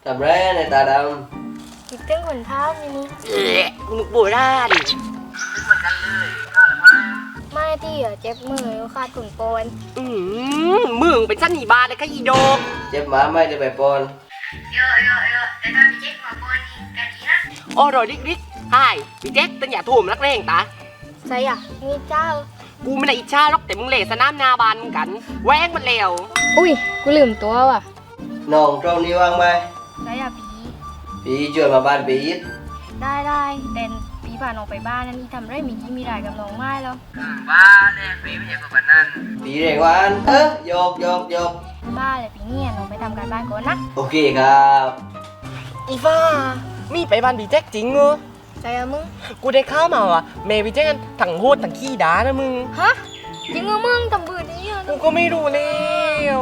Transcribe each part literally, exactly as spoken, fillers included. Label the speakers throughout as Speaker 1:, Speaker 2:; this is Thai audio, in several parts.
Speaker 1: ทำไรในตาด
Speaker 2: ำติดเต้นขนเท้านี่นี่
Speaker 1: ำเอ๊ะมึงโบราณเหมือนกันเลยข้าหรือไม่
Speaker 2: ไม่ที่อ่ะเจ็บมือขาดขุนโปน
Speaker 3: อืมมึงเป็นชั้นอีบาเลยค่ะอีโด
Speaker 1: เจ็บหมาไม่ได้ไปปอน
Speaker 2: เยอะเยอะเยอะแต่ถ้าพี่เจ็บมาปอนนี่กันดีนะ
Speaker 3: โอ้รอยดิ๊กดิ๊กใช่พี่แจ็คตั้งอย่าถ่วมนักเลงตา
Speaker 2: ใช่อ่ะนี่เจ้า
Speaker 3: กูไม่ได้อิจฉาหรอกแต่มึงเละสนามนาบานมึงกันแหวงมันแล้ว
Speaker 2: อุ้ยกูลืมตัวว่ะ
Speaker 1: น้องตรงนี้ว่างไหม
Speaker 2: ใช่อ่ะปี
Speaker 1: ปีช่วยมาบ้านปียิด
Speaker 2: ได้ได้แต่ปีผ่านออกไปบ้านนั่นนี่ทำไรมียี่มีรายกับน้องไม้แล้ว
Speaker 1: บ้าเลยปีไม่ใช่คนนั้นปีเร่งวันเออโยกโยกโยก
Speaker 2: บ้าเลยปีเนี่ยน้องไปทำการบ้านก่อนนะ
Speaker 1: โอเคครับ
Speaker 3: อีฟ้ามีไปบ้านพี่แจ็คจริงเหรอ
Speaker 2: ใช่อะมึง
Speaker 3: กูได้ข้าวมาว่ะเมย์พี่แจ็คกันถังโหดถังขี้ด่านะมึง
Speaker 2: ฮะจริงเหรอมึงทำบืนนี้อ่ะ
Speaker 3: กูก็ไม่รู้แล้ว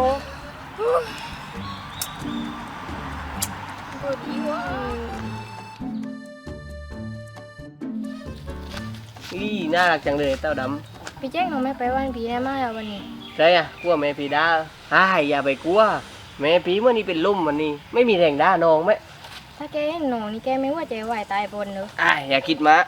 Speaker 2: บืนนี้วะ
Speaker 1: อีน่ารักจังเลยเต้าด
Speaker 2: ำพี่แจ็คน้องไม่ไปวันพีได้ไหมอ่ะวันนี้
Speaker 1: ใช่อ่ะกลัวแม่พีด้าอ้ายอย่าไปกลัวแม่พีเมื่อนี้เป็นลุ่มวันนี้ไม่มีแรงด้าน้องไหม
Speaker 2: ถ้าแกเห็นหนูนี่แกไม่ว่าใจไหวตายบนเนอะ
Speaker 1: อ้ายอย่าคิดมา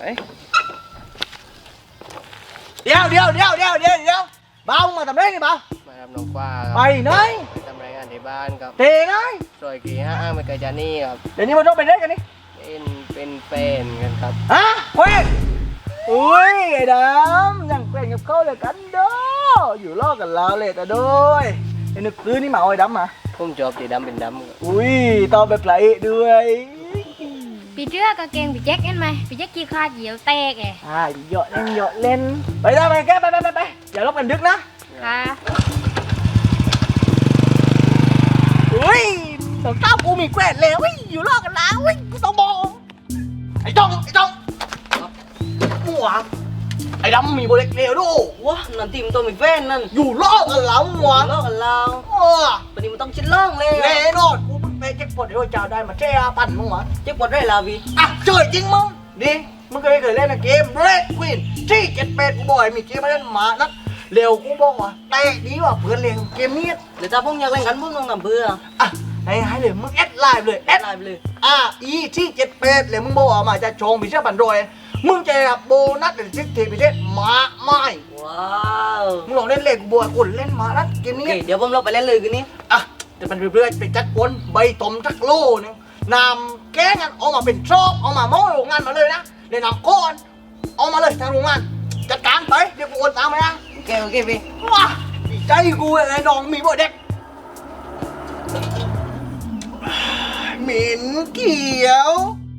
Speaker 1: เดี๋ยวเดี๋ยวเดี๋ยวเดี๋ยวเดี๋ยวเดี๋ยวบ้ามาทำไรนี่บ้ามาทำน้องฟ้าไปไหนไปทำรายงานที่บ้านครับเตะไงซอยกี่ห้าไม่ไกลจากนี่ครับเดี๋ยวนี้มันต้องไปได้กันนี่เป็นเป็นแฟนกันครับฮะเฮ้ยอุ้ยไอ้ดำยังเป็นกับเขาเลยกันเด้ออยู่รอกันแล้วเลยแต่ด้วยไอ้นึกซื้อนี่มาเอาไอ้ดำมาผมชอบสีดำเป็นดำอุ้ยตอนแบบไหลด้วย
Speaker 2: ปีเจือกางเกงปีแจ็คเห็นไหมปีแจ็คขี้ขาดเหยียวแตกไง
Speaker 1: อ่าหยอดเล่นหยอดเล่นไปได้ไปแกไปไปไปไปอย่าลบกันดึกนะ
Speaker 2: ค่ะ
Speaker 1: อุ้ยสาวเต้ากูมีแกล้งแล้วอุ้ยอยู่รอกันแล้วอุ้ยกูต้องบอกไอ้จ้องไอ้จ้องมั่วไอ้ดำมีโบเล็กเลวด้วยวะนั่นทีมตัวมีแฟนนั่นอยู่รอกันแล้วมั่วรอกันแล้วตอนนี้มันต้องชิ้นล่องเลยแน่นอนกูไปเจ็บปวดเดี๋ยวเจ้าได้มาเจ้าปั่นมึงวะเจ็บปวดได้ลาวีอ่ะเจอจริงมึงดิมึงเคยเคยเล่นเกมเรดควีนที่เจ็ดเป็ดกูบ่อยมีเกมมาเล่นหมานักเร็วกูบอกว่าเตะดีว่ะเพื่อนเล่นเกมนี้เดี๋ยวถ้าพวกอยากเล่นกันมึงต้องทำเพื่ออ่ะให้ให้เลยมึงแอดไลน์เลยแอดไลน์เลยอ่ะอีที่เจ็ดเป็ดเลยมึงบอกว่ามาจะชงพิเศษบันโดยมึงจะรับโบนัสหรือซิกเทพิเศษมาไม่ว้าวมึงลองเล่นเล่นบัวกุนเล่นมานัดเกมนี้เดี๋ยวผมเราไปเล่นเลยคืนนี้อ่ะจะเป็นเรื่อยๆไปจัดกวนใบตมจักโลนึงนำแก้งานเอามาเป็นชอบเอามาโม่โรงงานมาเลยนะเดี๋ยวนำก้อนเอามาเลยทางโรงงานจัดการไปเดี๋ยวกูโอนตามไปนะโอเคโอเคพี่ว้าดีใจกูไอ้น้องมีบ่เด็กเหม็นเขียว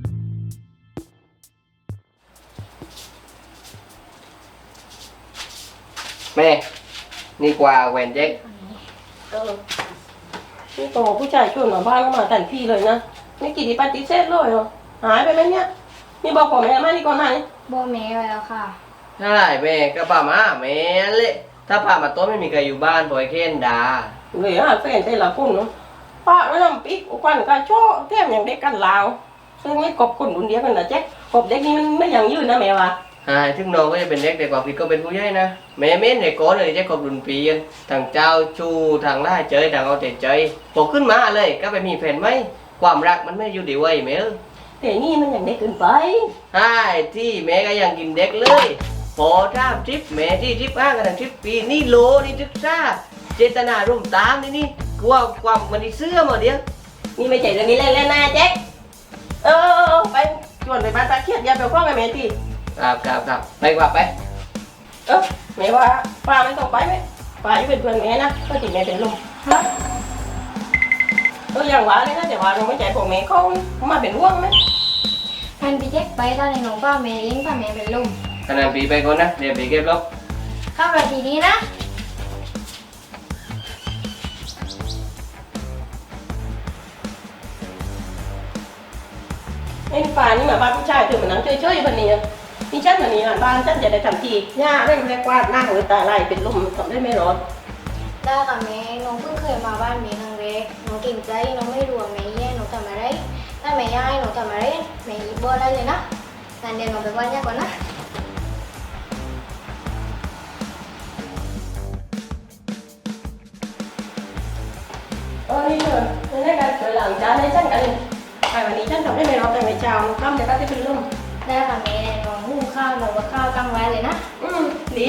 Speaker 1: แม่นี่กว่าแหวนเจ๊ก
Speaker 4: เออนี่โตผู้ชายชวนมาบ้านก็มาทันทีเลยนะไม่กี่ทีปฏิเสธเลยเหรอหายไปไหมเนี่ยนี่บอกผมแม่มานี่ก่อนไหน
Speaker 2: บอกแม่ไปแล้วค่ะ
Speaker 1: ใช่แม่ก็ป่ามาแม่เละถ้าป่ามาโต๊ะไม่มีใครอยู่บ้านปล่อยเค้นด่า
Speaker 4: เลยหาแฟนแต่ละคนเนาะป้าไม่ทำปิ๊กควันกาโชว์เทียมอย่างเด็กกันลาวซึ่งไม่กบคนดุนเดียวกันนะแจ๊คกบเด็กนี่มันไม่ยังยืนนะแม่วะ
Speaker 1: ใช่ถึงน้องก็จะเป็นเด็กแต่กว่าพี่ก็เป็นผู้ใหญ่นะแม่เม้นในก้อนเลยจะกบดุนปีกันทางเจ้าชูทางล่าเจยทางเอาแต่ใจพอขึ้นมาเลยก็ไปมีแฟนไหมความรักมันไม่อยู่ดีไว้แม่
Speaker 4: แต่นี่มันยังเด็กเกินไป
Speaker 1: ใช่ที่แม่ก็ยังกินเด็กเลยพอท่าทริปแม่ที่ทริปอ้างกันทริปปีนี่โลนี่ทริปซ่าเจตนาร่วมตามนี่นี่กลัวความมันเสื้อมาเดียว
Speaker 4: นี่ไม่ใช่เรื่องนี้เล่นๆนะแจ๊คเออไปชวนไปบ้านตาเคียดอย่าไปคว้างกับแม่ที
Speaker 1: ครับครับครับไปกว่าไป
Speaker 4: เออแม่ว่าป้าไม่ต้องไปไหมป้าอยู่เป็นเพื่อนแม่นะก็ติดแม่เป็นลมฮะเอออย่างว่าเลยนะแต่ว่าเราไม่ใจของแม่เขามาเป็นห่วงไหม
Speaker 2: พันพี่แจ็คไปตอนในหนูป้าแม่เลี้ยงป้าแม่เป็นลม
Speaker 1: ขนาดปีไปก่อนนะเดี๋ยวปีเก็บล็อก
Speaker 2: เข้าราทีนี้นะ
Speaker 4: ไอ้ป่านี่มาบ้านผู้ชายถึงมันนั่งเฉยๆแบบนี้นี่ฉันแบบนี้บ้านฉันจะได้ทำทีหญ้าเร่งแรกวาดหน้าหัวตาไหลเป็นลมทำได้ไม่ร้อน
Speaker 2: ได้ค่ะแม่น้องเพิ่งเคยมาบ้านแม่ครั้งแรกน้องเก่งใจน้องไม่รู้ว่าแม่แย่น้องทำอะไรถ้าแม่ย่ายน้องทำอะไรแม่ยิบบ่ได้เลยนะงานเดี๋ยวน้องไปบ้านย่าก่อนนะ
Speaker 4: เออนี่เถอะในการช่วยหลังจานให้ฉันกันไปวันนี้ฉันทำได้ไม่รอแต่ไม่เช้าข้ามแต่ก็จะเป็นลม
Speaker 2: ได้ค่ะแม่น้องหุงข้าวหนูกับข้าวตั้งไว้เลยนะ
Speaker 4: อืมดี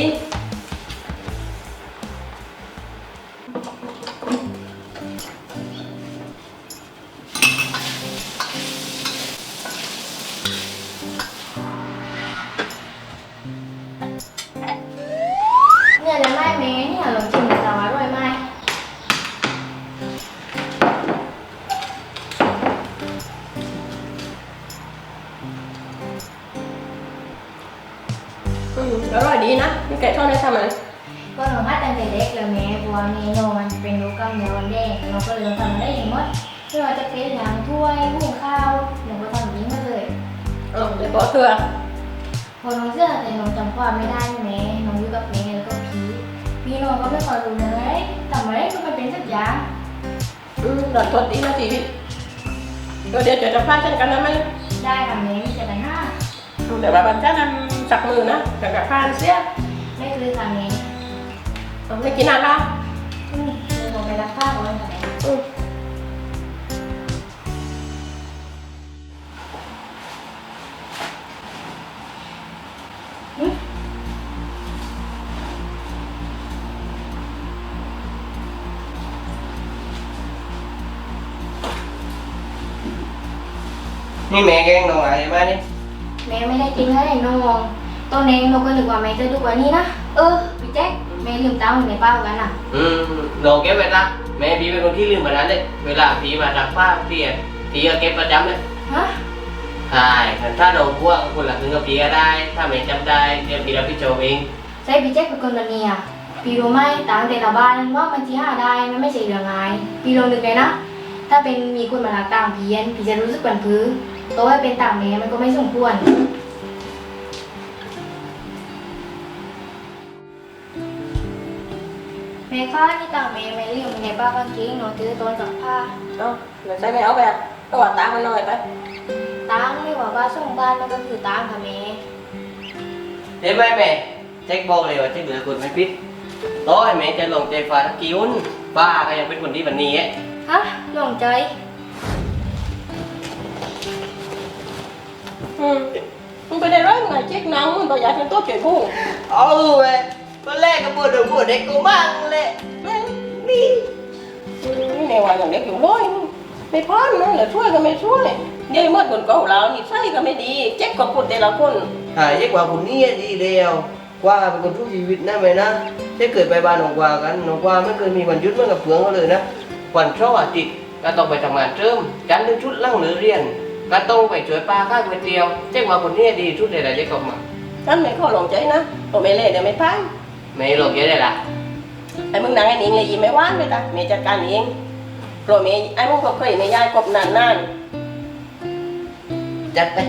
Speaker 2: เนี่ยแล้วแม่แม่เนี่ยลองชิมกันจะอร่อยไหม
Speaker 4: อืมอร่อยดีนะนี่แกชอบได้ทำอะไร
Speaker 2: ก็หนูหัดตั้งแต่เด็กเลยแม่เพราะว่าเมนูมันเป็นรูปกำเนิดวันแดงหนูก็เลยทำมาได้อย่างหมดไม่ว่าจะเป็นน้ำถ้วยหุงข้าวหนูก็ทำอย่างนี้มาเลย
Speaker 4: เออเดี๋ยวบอกเถื่อ
Speaker 2: พอน้องเชื่อแต่น้องจำความไม่ได้แม่น้องอยู่กับแม่แล้วก็พี่พี่น้องก็ไม่ค่อยรู้เลยทำอะไรก็มันเป็นสักอย่าง
Speaker 4: อืมหลอดทดดีนะชีวิตเดี๋ยวเดี๋ยวจะพลาดเช่นกันนะไหม
Speaker 2: ได้ค่ะแม่ไม่จะไปห้า
Speaker 4: เดี๋ยวบันจ้าทำสักมือนะกับกับพลาดเสีย
Speaker 2: ไม่คือค่ะแม่
Speaker 4: ไม่กินอะไรล่ะ
Speaker 2: อืมเดี๋ยวหนูไปรับผ้าก่อนค่ะแม่
Speaker 4: อืม
Speaker 1: นี่แม่แกงน้องอะไรมานี่
Speaker 2: แม่ไม่ได้กินเลยน้องตอนนี้หนูก็นึกว่าแม่จะดูกว่านี้นะเออพี่แจ๊คแม่ลืมตาเหมือนในเป้ากันอ่ะ
Speaker 1: อืมน้องเก็บไว้ละแม่พี่เป็นคนที่ลืมแบบนั้นเลยเวลาพี่มาซักผ้าพี่อะพี่ก็เก็บประจำเลย
Speaker 2: ฮะ
Speaker 1: ใช่ถ้าน้องกลัวคนละครึ่งกับพี่ก็ได้ ถ้าแม่จำได้เดี๋ยวพี่รับผิดชอบเอง
Speaker 2: ใช่พี่แจ๊คเป็นคนแบบนี้อ่ะพี่รู้ไหมต่างแต่ละบ้านว่ามันที่หาได้มันไม่ใช่เรื่องง่ายพี่ลองนึกเลยนะถ้าเป็นมีคนมาลักต่างเพี้ยนพี่จะรู้สึกบันพื้โตให้เป็นต่างแม่มันก็ไม่สมควรแม่ค้านี่ต่างแม่แม่เลี้ยงในบ้านกางเกงหนูถือต้นสักผ้า
Speaker 4: เอาเดี๋ยวใส่ไม่เอาไปอ่ะก็ว่าตามมันหน่อยไป
Speaker 2: ตังไม่ว่าบ้านส่งบ้านมันก็คือตังค่ะแม่
Speaker 1: เดี๋ยวแม่แม่เช็คบอกเลยว่าเช็คเหลือคนไม่พิษต่อให้แม่จะลงใจฟ้าทักกิ้วป้าก็ยังเป็นคนที่แบบนี้
Speaker 2: ฮะหลงใจ
Speaker 4: อืมมึงไปได้ร้อยมึงไงเช็คหนังมึงตัวใหญ่เป็นตัวเฉยผู้
Speaker 1: เอาเว้ยตอนแรกก็ปวดหัวปวดเด็กกูมั่งเลยนี่
Speaker 4: นี่ในวันอย่างเด็กอยู่ร้อยมึงไม่พอนนะเหลือช่วยก็ไม่ช่วยเดี๋ยวเมื่อคนเก่าเรานี่ใส่ก็ไม่ดีเช็คก็พูดแต่ละคน
Speaker 1: หายยิ่งกว่าคนนี้ดีเดียวกว่าเป็นคนทุกชีวิตนะแม่นะเช็คเกิดไปบ้านน้องกว่ากันน้องกว่าไม่เคยมีวันหยุดเหมื่อนกับเพื่อนเขาเลยนะวันเสาร์อาทิตย์ก็ต้องไปทำงานเติมจันทร์ถึงชุดล่างหรือเรียนก็ต้องไปช่วยป้าข้าวก๋วยเตี๋ยวเช็คว่าคนนี้ดีชุดใดๆเช็คออกมา
Speaker 4: ฉันไม่ขอลงใจนะผมไม่เล่เดี๋ยวไม่พาน
Speaker 1: ไม่หลอกเยอะเลยล่ะ
Speaker 4: ไอ้มึงนั่งไอ้นิงเลยยิ้มไม่ว่านเลยตาเมย์จัดการเองโปรเมย์ไอ้มึงก็เคยในยายกบนานนาน
Speaker 1: จัดไป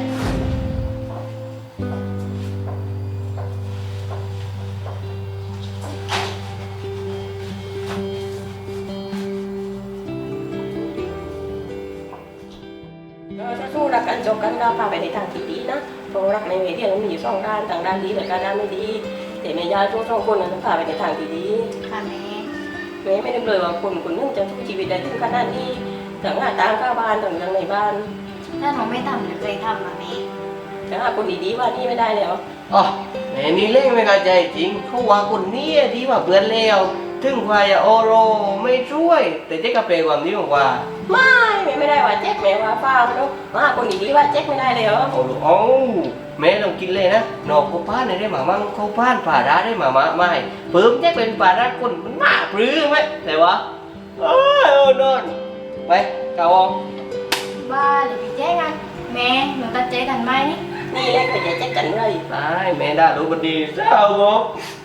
Speaker 4: ถ้าสู้รักกันจบกันก็พาไปในทางที่ดีนะเพราะรักในเวทีมันมีอยู่สองด้านทางด้านดีและการด้านไม่ดีแต่แม่ยายทุกสองคนนั้นต้องพาไปในทางที่ดี
Speaker 2: ค่ะแม่
Speaker 4: แม่ไม่ได้เลยว่าคนคนนึงจะทุกชีวิตได้ถึงขนาดนี้ถึงหน้าตามข้าวบ้านถึงทางในบ้าน
Speaker 2: ถ้าหนูไม่ทำหนูเคยทำมาแม่
Speaker 4: จะหาคนดีๆว่านี่ไม่ได้แล้ว
Speaker 1: อ๋อแม่นี่เล่นไม่เข้าใจจริงเขาว่าคนนี้ดีกว่าเพื่อนเลวถึงควายโอโรไม่ช่วย แต่เจ๊กระเปรความนี้บอกว่า
Speaker 4: ไม่แม่ไม่ได้ว่าแจ็คแม่ว่าฟ้าไม่รู้ว่าคนดีๆว่าแจ็คไม่ได้แล้ว
Speaker 1: โอ้โหโอ้แม่ต้องกินเลยนะนอกเขาพานได้มามั่งเขาพานป่าร้าได้มามาไม่เพิ่มแจ๊กเป็นป่าร้าคนมันน่าปลื้มไหมแต่ว่าเออโอ้นอนไปเจ้าออง
Speaker 2: บ้าหรือพี่แจ๊คกันแม่หนูตัดใจกันไหมนี่
Speaker 4: นี่แหละเคยจะแจ็คกันเลย
Speaker 1: ตายแม่ด่าลูกมันดีเศร้าบอก